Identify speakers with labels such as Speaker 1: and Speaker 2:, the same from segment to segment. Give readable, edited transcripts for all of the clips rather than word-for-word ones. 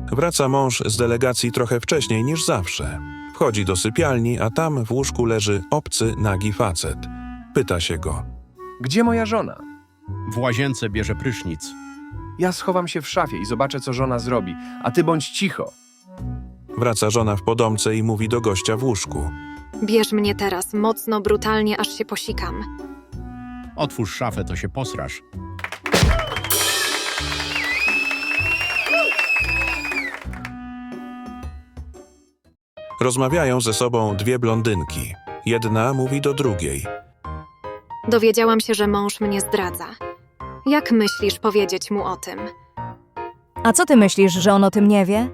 Speaker 1: Wraca mąż z delegacji trochę wcześniej niż zawsze. Wchodzi do sypialni, a tam w łóżku leży obcy, nagi facet. Pyta się go.
Speaker 2: Gdzie moja żona?
Speaker 3: W łazience bierze prysznic.
Speaker 2: Ja schowam się w szafie i zobaczę, co żona zrobi, a ty bądź cicho.
Speaker 1: Wraca żona w podomce i mówi do gościa w łóżku.
Speaker 4: Bierz mnie teraz, mocno, brutalnie, aż się posikam.
Speaker 3: Otwórz szafę, to się posrasz.
Speaker 1: Rozmawiają ze sobą dwie blondynki. Jedna mówi do drugiej.
Speaker 4: Dowiedziałam się, że mąż mnie zdradza. Jak myślisz powiedzieć mu o tym?
Speaker 5: A co ty myślisz, że on o tym nie wie?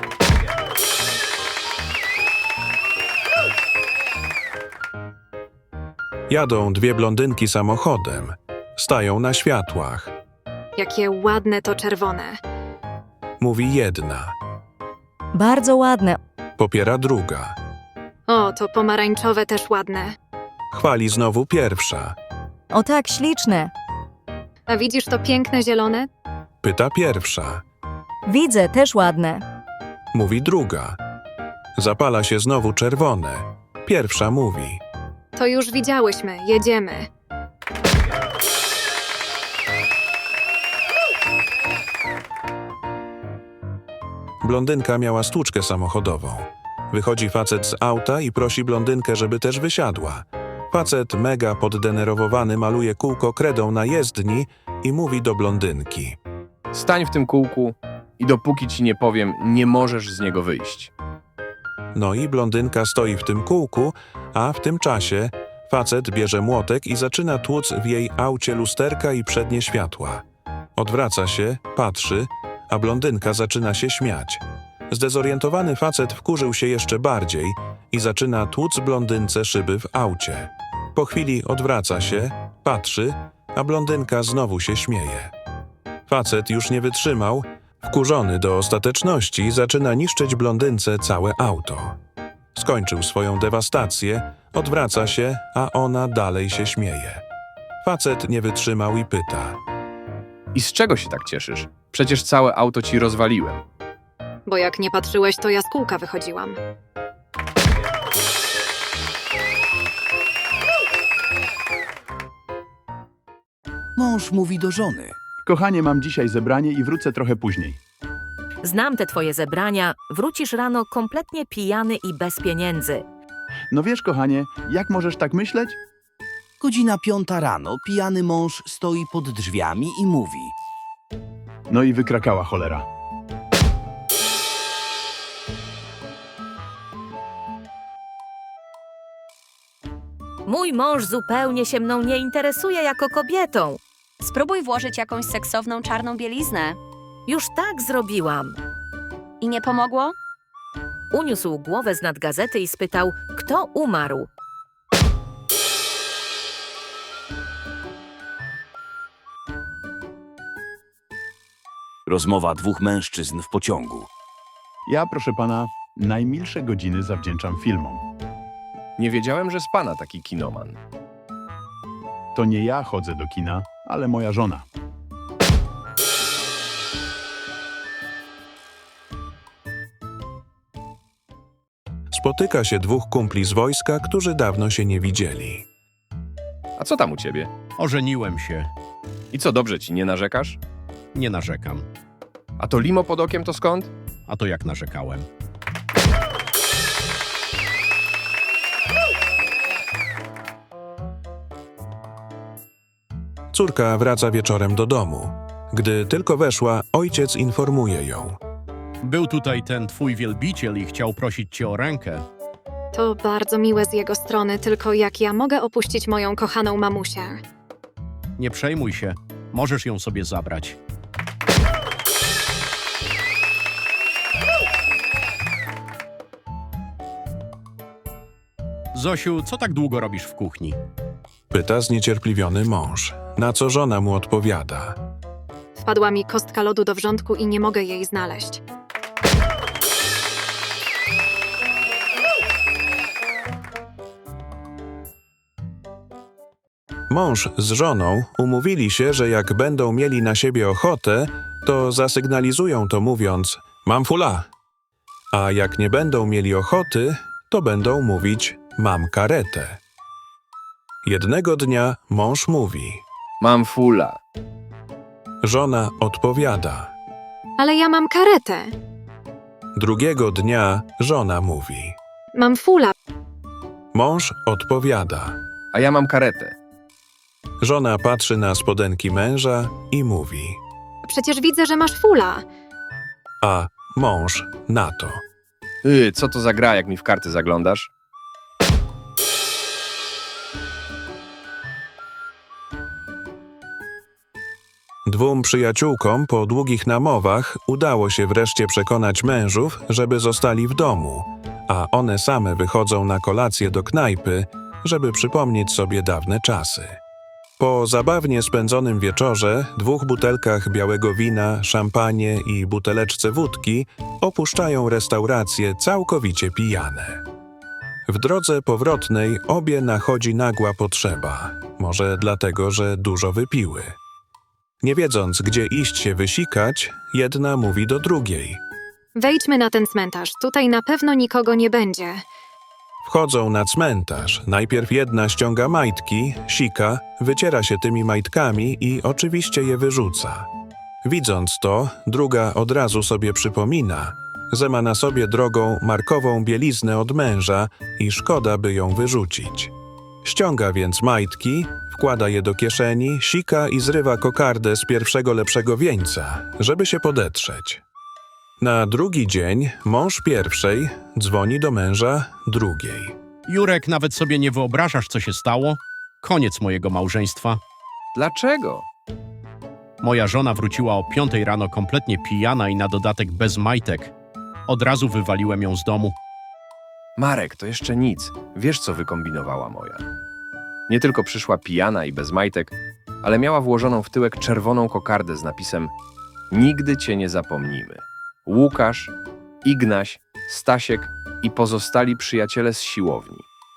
Speaker 1: Jadą dwie blondynki samochodem. Stają na światłach.
Speaker 4: Jakie ładne to czerwone.
Speaker 1: Mówi jedna.
Speaker 5: Bardzo ładne.
Speaker 1: Popiera druga.
Speaker 4: O, to pomarańczowe też ładne.
Speaker 1: Chwali znowu pierwsza.
Speaker 5: O tak, śliczne.
Speaker 4: A widzisz to piękne zielone?
Speaker 1: Pyta pierwsza.
Speaker 5: Widzę, też ładne.
Speaker 1: Mówi druga. Zapala się znowu czerwone. Pierwsza mówi.
Speaker 4: To już widziałyśmy, jedziemy.
Speaker 1: Blondynka miała stłuczkę samochodową. Wychodzi facet z auta i prosi blondynkę, żeby też wysiadła. Facet mega poddenerwowany maluje kółko kredą na jezdni i mówi do blondynki.
Speaker 2: Stań w tym kółku i dopóki ci nie powiem, nie możesz z niego wyjść.
Speaker 1: No i blondynka stoi w tym kółku, a w tym czasie facet bierze młotek i zaczyna tłuc w jej aucie lusterka i przednie światła. Odwraca się, patrzy, a blondynka zaczyna się śmiać. Zdezorientowany facet wkurzył się jeszcze bardziej i zaczyna tłuc blondynce szyby w aucie. Po chwili odwraca się, patrzy, a blondynka znowu się śmieje. Facet już nie wytrzymał, wkurzony do ostateczności zaczyna niszczyć blondynce całe auto. Skończył swoją dewastację, odwraca się, a ona dalej się śmieje. Facet nie wytrzymał i pyta.
Speaker 2: I z czego się tak cieszysz? Przecież całe auto ci rozwaliłem.
Speaker 4: Bo jak nie patrzyłeś, to ja z kółka wychodziłam.
Speaker 6: Mąż mówi do żony.
Speaker 7: Kochanie, mam dzisiaj zebranie i wrócę trochę później.
Speaker 8: Znam te twoje zebrania, wrócisz rano kompletnie pijany i bez pieniędzy.
Speaker 7: No wiesz, kochanie, jak możesz tak myśleć?
Speaker 6: Godzina 5 rano, pijany mąż stoi pod drzwiami i mówi.
Speaker 7: No i wykrakała cholera.
Speaker 8: Mój mąż zupełnie się mną nie interesuje jako kobietą.
Speaker 9: Spróbuj włożyć jakąś seksowną czarną bieliznę.
Speaker 8: Już tak zrobiłam.
Speaker 9: I nie pomogło?
Speaker 8: Uniósł głowę z nad gazety i spytał, kto umarł.
Speaker 6: Rozmowa dwóch mężczyzn w pociągu.
Speaker 7: Ja, proszę pana, najmilsze godziny zawdzięczam filmom.
Speaker 2: Nie wiedziałem, że z pana taki kinoman.
Speaker 7: To nie ja chodzę do kina, ale moja żona.
Speaker 1: Spotyka się dwóch kumpli z wojska, którzy dawno się nie widzieli.
Speaker 2: A co tam u ciebie?
Speaker 3: Ożeniłem się.
Speaker 2: I co, dobrze ci, nie narzekasz?
Speaker 3: Nie narzekam.
Speaker 2: A to limo pod okiem to skąd?
Speaker 3: A to jak narzekałem?
Speaker 1: Córka wraca wieczorem do domu. Gdy tylko weszła, ojciec informuje ją.
Speaker 3: Był tutaj ten twój wielbiciel i chciał prosić cię o rękę.
Speaker 4: To bardzo miłe z jego strony, tylko jak ja mogę opuścić moją kochaną mamusię?
Speaker 3: Nie przejmuj się, możesz ją sobie zabrać. Zosiu, co tak długo robisz w kuchni?
Speaker 1: Pyta zniecierpliwiony mąż, na co żona mu odpowiada.
Speaker 4: Wpadła mi kostka lodu do wrzątku i nie mogę jej znaleźć.
Speaker 1: Mąż z żoną umówili się, że jak będą mieli na siebie ochotę, to zasygnalizują to mówiąc Mam fula. A jak nie będą mieli ochoty, to będą mówić mam karetę. Jednego dnia mąż mówi.
Speaker 2: Mam fula.
Speaker 1: Żona odpowiada.
Speaker 4: Ale ja mam karetę.
Speaker 1: Drugiego dnia żona mówi.
Speaker 4: Mam fula.
Speaker 1: Mąż odpowiada.
Speaker 2: A ja mam karetę.
Speaker 1: Żona patrzy na spodenki męża i mówi.
Speaker 4: Przecież widzę, że masz fula.
Speaker 1: A mąż na to.
Speaker 2: Co to za gra, jak mi w karty zaglądasz?
Speaker 1: Dwóm przyjaciółkom po długich namowach udało się wreszcie przekonać mężów, żeby zostali w domu, a one same wychodzą na kolację do knajpy, żeby przypomnieć sobie dawne czasy. Po zabawnie spędzonym wieczorze, 2 butelkach białego wina, szampanie i buteleczce wódki opuszczają restaurację całkowicie pijane. W drodze powrotnej obie nachodzi nagła potrzeba, może dlatego, że dużo wypiły. Nie wiedząc, gdzie iść się wysikać, jedna mówi do drugiej.
Speaker 4: Wejdźmy na ten cmentarz. Tutaj na pewno nikogo nie będzie.
Speaker 1: Wchodzą na cmentarz. Najpierw jedna ściąga majtki, sika, wyciera się tymi majtkami i oczywiście je wyrzuca. Widząc to, druga od razu sobie przypomina, że ma na sobie drogą markową bieliznę od męża i szkoda, by ją wyrzucić. Ściąga więc majtki, wkłada je do kieszeni, sika i zrywa kokardę z pierwszego lepszego wieńca, żeby się podetrzeć. Na drugi dzień mąż pierwszej dzwoni do męża drugiej.
Speaker 3: Jurek, nawet sobie nie wyobrażasz, co się stało? Koniec mojego małżeństwa.
Speaker 2: Dlaczego?
Speaker 3: Moja żona wróciła o 5 rano kompletnie pijana i na dodatek bez majtek. Od razu wywaliłem ją z domu.
Speaker 2: Marek, to jeszcze nic. Wiesz, co wykombinowała moja. Nie tylko przyszła pijana i bez majtek, ale miała włożoną w tyłek czerwoną kokardę z napisem Nigdy cię nie zapomnimy. Łukasz, Ignaś, Stasiek i pozostali przyjaciele z siłowni.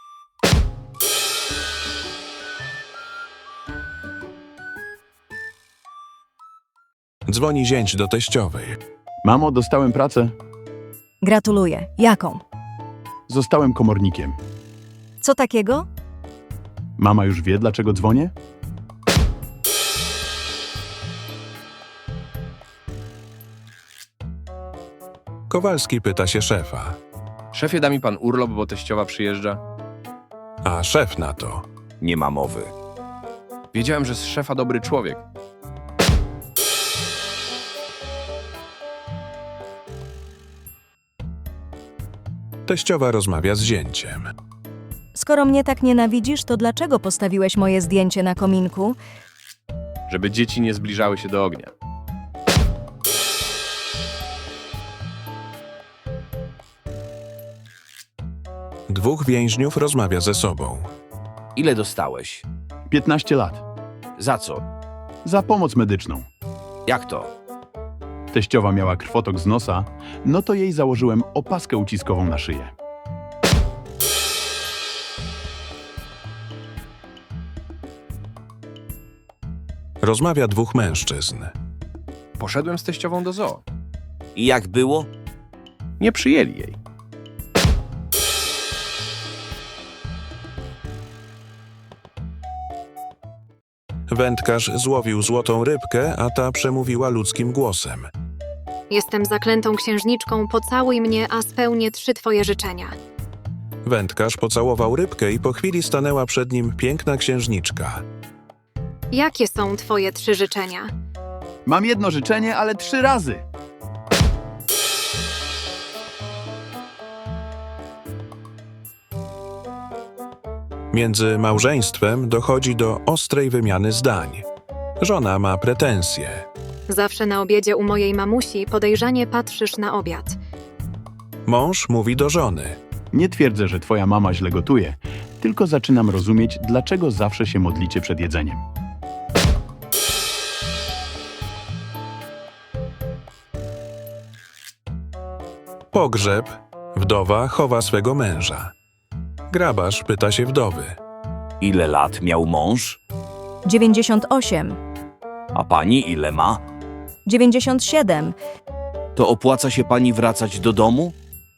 Speaker 1: Dzwoni zięć do teściowej.
Speaker 7: Mamo, dostałem pracę.
Speaker 5: Gratuluję. Jaką?
Speaker 7: Zostałem komornikiem.
Speaker 5: Co takiego?
Speaker 7: Mama już wie, dlaczego dzwonię?
Speaker 1: Kowalski pyta się szefa,
Speaker 2: Szefie, da mi pan urlop, bo teściowa przyjeżdża?
Speaker 1: a szef na to.
Speaker 6: Nie ma mowy.
Speaker 2: Wiedziałem, że z szefa dobry człowiek.
Speaker 1: Teściowa rozmawia z zięciem.
Speaker 5: Skoro mnie tak nienawidzisz, to dlaczego postawiłeś moje zdjęcie na kominku?
Speaker 2: Żeby dzieci nie zbliżały się do ognia.
Speaker 1: Dwóch więźniów rozmawia ze sobą.
Speaker 6: Ile dostałeś?
Speaker 7: 15 lat.
Speaker 6: Za co?
Speaker 7: Za pomoc medyczną.
Speaker 6: Jak to?
Speaker 7: Teściowa miała krwotok z nosa, no to jej założyłem opaskę uciskową na szyję.
Speaker 1: Rozmawia dwóch mężczyzn.
Speaker 2: Poszedłem z teściową do zoo.
Speaker 6: I jak było?
Speaker 2: Nie przyjęli jej.
Speaker 1: Wędkarz złowił złotą rybkę, a ta przemówiła ludzkim głosem.
Speaker 4: Jestem zaklętą księżniczką, pocałuj mnie, a spełnię 3 twoje życzenia.
Speaker 1: Wędkarz pocałował rybkę i po chwili stanęła przed nim piękna księżniczka.
Speaker 4: Jakie są twoje 3 życzenia?
Speaker 7: Mam jedno życzenie, ale 3 razy.
Speaker 1: Między małżeństwem dochodzi do ostrej wymiany zdań. Żona ma pretensje.
Speaker 4: Zawsze na obiedzie u mojej mamusi podejrzanie patrzysz na obiad.
Speaker 1: Mąż mówi do żony.
Speaker 7: Nie twierdzę, że twoja mama źle gotuje, tylko zaczynam rozumieć, dlaczego zawsze się modlicie przed jedzeniem.
Speaker 1: Pogrzeb. Wdowa chowa swego męża. Grabarz pyta się wdowy.
Speaker 6: Ile lat miał mąż?
Speaker 5: 98,
Speaker 6: A pani ile ma?
Speaker 5: 97.
Speaker 6: To opłaca się pani wracać do domu?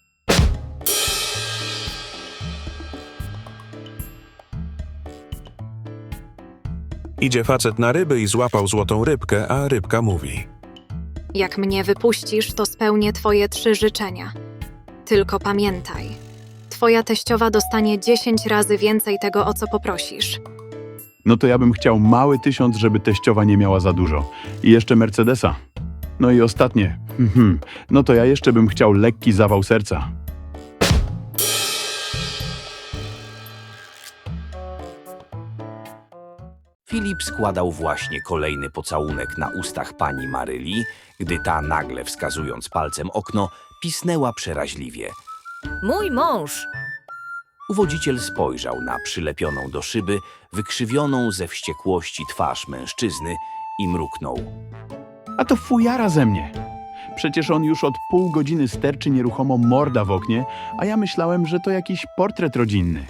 Speaker 1: Idzie facet na ryby i złapał złotą rybkę, a rybka mówi.
Speaker 4: Jak mnie wypuścisz, to spełnię twoje 3 życzenia. Tylko pamiętaj, twoja teściowa dostanie 10 razy więcej tego, o co poprosisz.
Speaker 7: No to ja bym chciał mały 1000, żeby teściowa nie miała za dużo. I jeszcze Mercedesa. No i ostatnie. No to ja jeszcze bym chciał lekki zawał serca.
Speaker 6: Filip składał właśnie kolejny pocałunek na ustach pani Maryli, gdy ta nagle, wskazując palcem okno, pisnęła przeraźliwie.
Speaker 8: Mój mąż!
Speaker 6: Uwodziciel spojrzał na przylepioną do szyby, wykrzywioną ze wściekłości twarz mężczyzny i mruknął.
Speaker 7: A to fujara ze mnie. Przecież on już od pół godziny sterczy nieruchomo morda w oknie, a ja myślałem, że to jakiś portret rodzinny.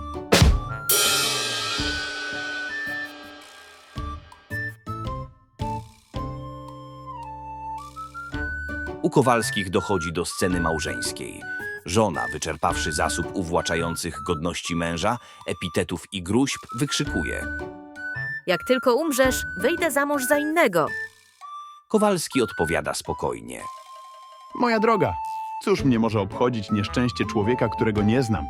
Speaker 6: U Kowalskich dochodzi do sceny małżeńskiej. Żona, wyczerpawszy zasób uwłaczających godności męża, epitetów i gruźb, wykrzykuje.
Speaker 8: Jak tylko umrzesz, wyjdę za mąż za innego.
Speaker 6: Kowalski odpowiada spokojnie.
Speaker 7: Moja droga, cóż mnie może obchodzić nieszczęście człowieka, którego nie znam?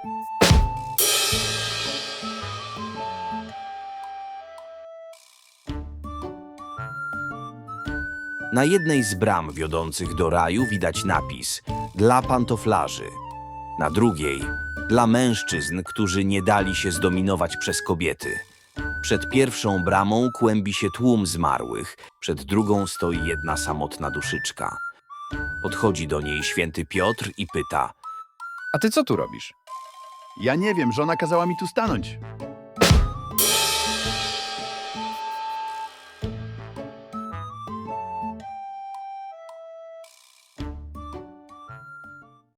Speaker 6: Na jednej z bram wiodących do raju widać napis dla pantoflarzy. Na drugiej dla mężczyzn, którzy nie dali się zdominować przez kobiety. Przed pierwszą bramą kłębi się tłum zmarłych, przed drugą stoi jedna samotna duszyczka. Podchodzi do niej święty Piotr i pyta.
Speaker 2: A ty co tu robisz?
Speaker 7: Ja nie wiem, żona kazała mi tu stanąć.